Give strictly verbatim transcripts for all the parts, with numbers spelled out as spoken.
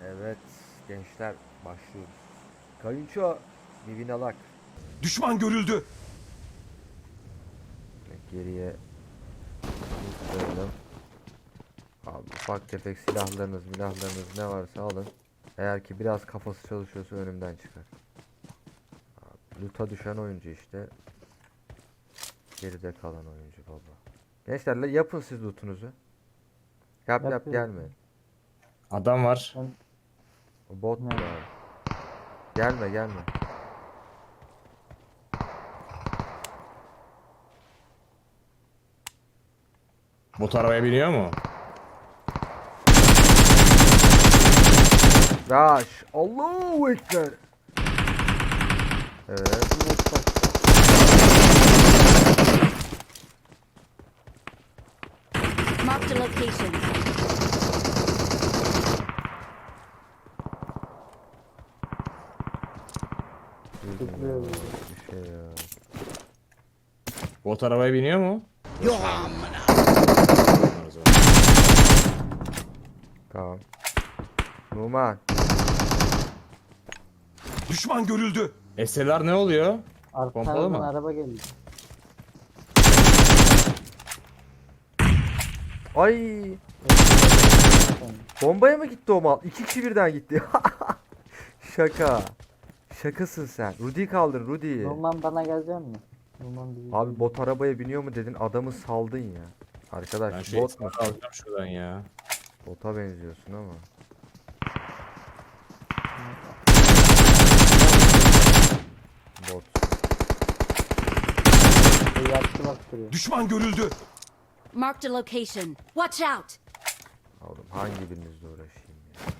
Evet gençler başlıyoruz. Kayınço Nivinalak. Düşman görüldü. Geriye koyalım. Abi ufak tefek silahlarınız milahlarınız ne varsa alın. Eğer ki biraz kafası çalışıyorsa önümden çıkar. Abi, loot'a düşen oyuncu işte. Geride kalan oyuncu baba. Gençlerle yapın siz lootunuzu. Yap yap Yapıyoruz. gelme. Adam var. Ben O bot mu Ne? abi? Gelme gelme. Bot arabaya biniyor mu? Rush. Allahu Ekber. Evet. Marked a location. Tıklıyor böyle. Bir şey ya. Bot arabaya biniyor mu? Tamam. Numan. Düşman görüldü. S L R ne oluyor? Pompalı Arkadan mı? araba geldi. Ay. Bombaya mı gitti o mal? İki kişi birden gitti. Şaka. Şakasın sen. Rudy'yi kaldır Rudy'yi. Numan bana gelecek mi? Numan bizi. Abi bot arabaya biniyor mu dedin adamı saldın ya. Arkadaş Ben şu bot bot mu? alacağım şuradan ya. Bota benziyorsun ama. Bot. Bir yaktı bak duruyor. Düşman görüldü. Marked a location. Watch out! Oğlum hangi birinizle uğraşayım ya.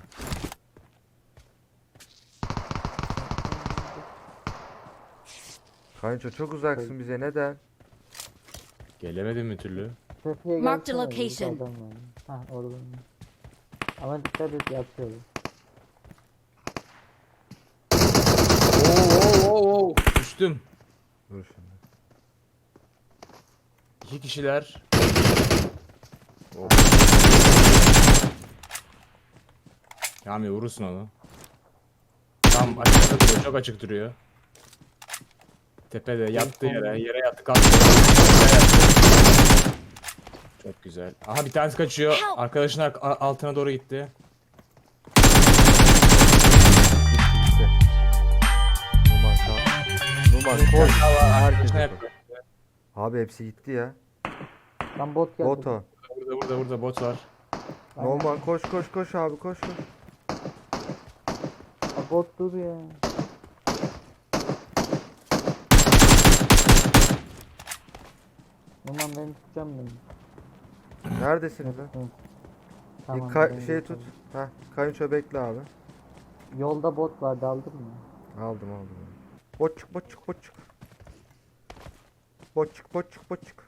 Kayınço çok uzaksın bize neden? Gelemedim bir türlü. Tepeye Marked gelsene, location. burada adam var. Hah orada. Ama dikkat et yatıyor. Oo, oo, oo, oo. Düştüm. Dur şimdi. İki kişiler. Oh. Yami vurursun onu. Tam açıkta duruyor, çok açık duruyor. Tepede yattı yere, yere yattı kalktı. Yere yattı. Çok güzel. Aha bir tanesi kaçıyor. Arkadaşın ar- a- altına doğru gitti. Gitti. Numan kal. Numan koş. Herkes Arkadaşına yapar. yapıyor. Abi hepsi gitti ya. Lan bot geldi. Boto. Burada burada burada bot var. Aynen. Numan koş koş koş abi koş koş. Ha, bot dur ya. Numan beni tutacağım beni. Neredesiniz lan? Hı. Bir Tamam, ka- ben şey geçiyorum. tut. Heh, kayınço bekle abi. Yolda bot vardı aldın mı? Aldım aldım. Boçuk boçuk boçuk. Boçuk boçuk boçuk.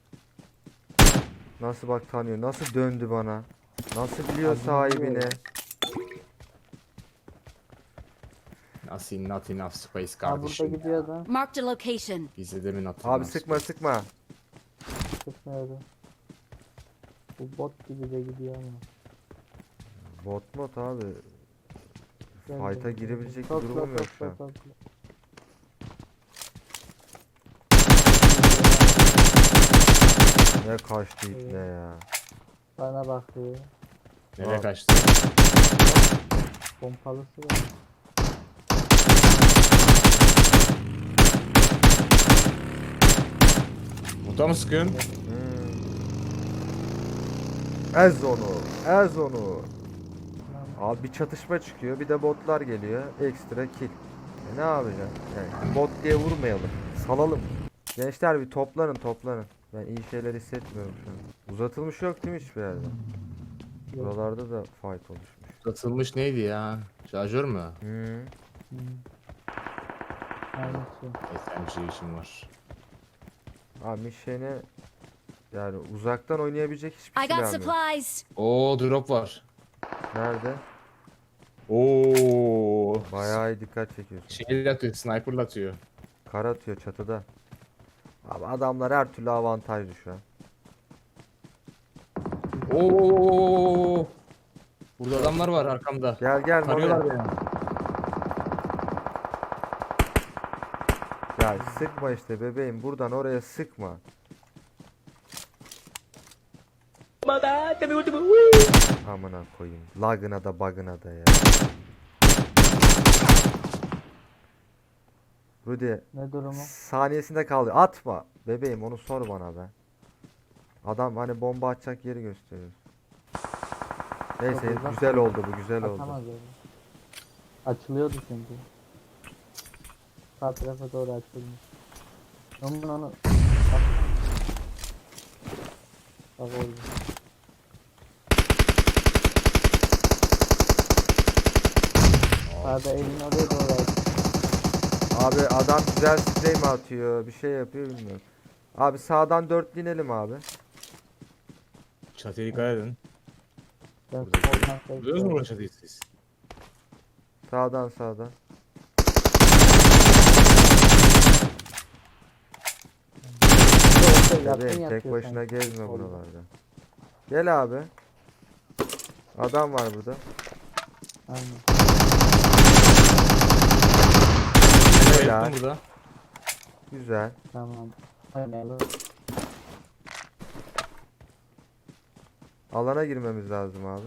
Nasıl bak tanıyor. Nasıl döndü bana. Nasıl biliyor Abi, sahibini. biliyor. Nasıl not enough space Ha burada kardeşim. gidiyor da. Marked a location. Bize de mi not Abi enough sıkma space? sıkma. Çıkmıyordu. Bu bot gibi de gidiyor ama. Bot mod abi. Gel, Fight'a gel, girebilecek bir gel. durumum Topla, yok şu an. topla, topla. Ne kaçtı ip ne ya. Bana bakıyor. Nereye Abi. kaçtı? Pompalısı var. Bota mı sıkıyorsun? Hmm. Ez onu. Ez onu. Abi bir çatışma çıkıyor. Bir de botlar geliyor. Ekstra kill. E ne yapacaksın? Yani bot diye vurmayalım. Salalım. Gençler bir toplanın toplanın. Ben iyi şeyler hissetmiyorum şu an. Uzatılmış yok değil mi hiçbir yerde? Yok. Buralarda da fight oluşmuş. Satılmış neydi ya? Şarjör mü? Hmm. Hmm. Aynısı. S M G işim var. Abi Mişen'e yani uzaktan oynayabilecek hiçbir I got silah yok. supplies. Oo drop var. Nerede? Oo. Bayağı iyi dikkat çekiyorsun. Şey atıyor, sniper'la atıyor. Kar atıyor çatıda. Abi adamlar her türlü avantajlı şu an. Oo. Burada adamlar var arkamda. Gel gel Tarıyorlar Mami. beni. Ya sıkma işte bebeğim, buradan oraya sıkma. Amına koyayım. Lagına da bug'ına da ya. Rudy Ne durumu? saniyesinde kaldı. Atma. Bebeğim onu sor bana be. Adam hani bomba atacak yeri gösteriyor. Neyse Çok uzak. güzel oldu bu, güzel oldu. Atamaz öyle. Açılıyordu çünkü. Sağ tarafa doğru açılmış. Ben onu... Bak. Bak oldu. Sağda elini oraya doğru aç. Abi adam güzel sprey mi atıyor, bir şey yapıyor bilmiyorum. Abi sağdan dört inelim abi. Çatıya dikkat edin. Ben Burada- soldan Biliyorsunuz mu burada çatıyı siz? Sağdan sağdan. Bebeğim tek başına gezme buralarda. Gel abi. Adam var burada. Aynen. Helal. Bayıldım burada. Güzel. Tamam. Oynayalım. Alana girmemiz lazım abi.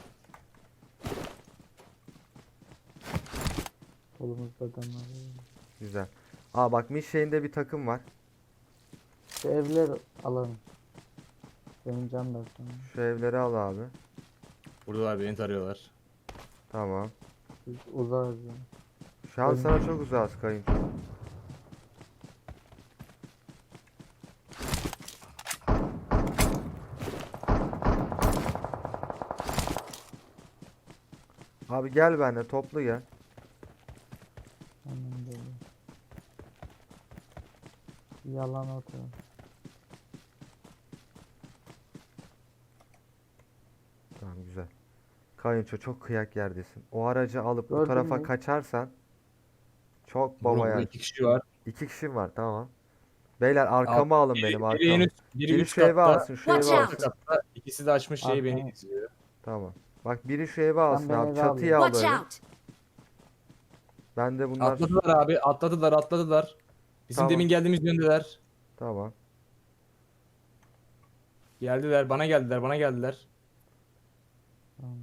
Kolumuzda adamlar. var. Güzel. Aa bak Mişe'inde bir takım var. Şu evler alalım. Benim can da sonra. Şu evleri al abi. Buradalar beni tarıyorlar. Tamam. Biz uzarız yani. Şu an sana çok uzağız kayınço. Abi gel benimle, toplu gel. Hemen böyle. Yalan atıyor. Tamam güzel. Kayınço çok kıyak yerdesin. O aracı alıp bu Gördün tarafa mü? kaçarsan çok Burada, baba burada yer. iki kişi var. İki kişim var, tamam. Beyler arkama alın Biri- benim biri arkamı. en üst- biri Biri üst şu evi katta, alsın, şu evi Watch alsın. out. alt katta. İkisi de açmış şeyi beni Arkaya. izliyor. Tamam. Bak biri şu evi alsın ben abi. evi Çatıya al Watch böyle. out! Ben de bunlar... Atladılar abi, atladılar, atladılar. Bizim Tamam. demin geldiğimiz yöndeler. Tamam. Geldiler, bana geldiler, bana geldiler. Tamam.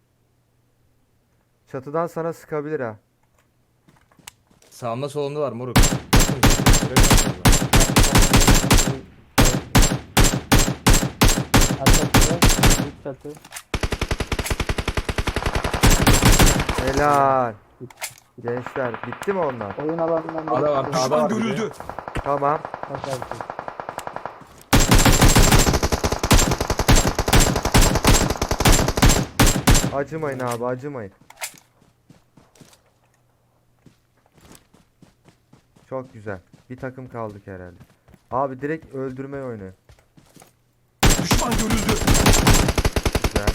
Çatıdan sana sıkabilir ha. Sağımda solumda var moruk. Arkadaşlar büyük çatı. Helal. Gençler bitti mi onlar? Oyun alanından biri Ada var, çıkıyor. ada var. Düşman görüldü. Tamam. Bak artık. Acımayın abi, acımayın. Çok güzel. Bir takım kaldık herhalde. Abi direkt öldürme oyunu. Düşman görüldü. Güzel.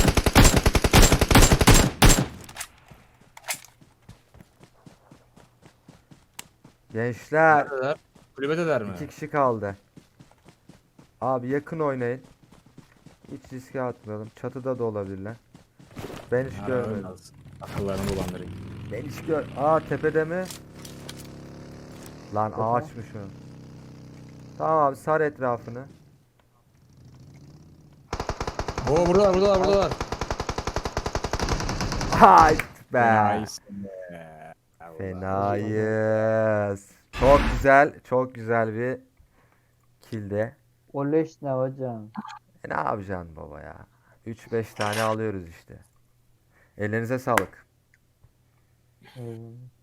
Gençler Neredeler? Kulübedeler mi? iki kişi kaldı. Abi yakın oynayın. Hiç riske atmayalım. Çatıda da olabilirler. Ben hiç Ha, görmedim. öyle olsun. Akıllarını bulandırayım. Ben hiç gör... Aa tepede mi? Lan Tepe. ağaçmış o. Tamam abi sar etrafını. Oo buradalar, buradalar, buradalar. Hayt be. Nice be. Allah. Fenayız. Çok güzel, çok güzel bir kilde. O leş ne hocam? E ne yapacaksın baba ya? üç beş tane alıyoruz işte. Ellerinize sağlık. Eyvallah.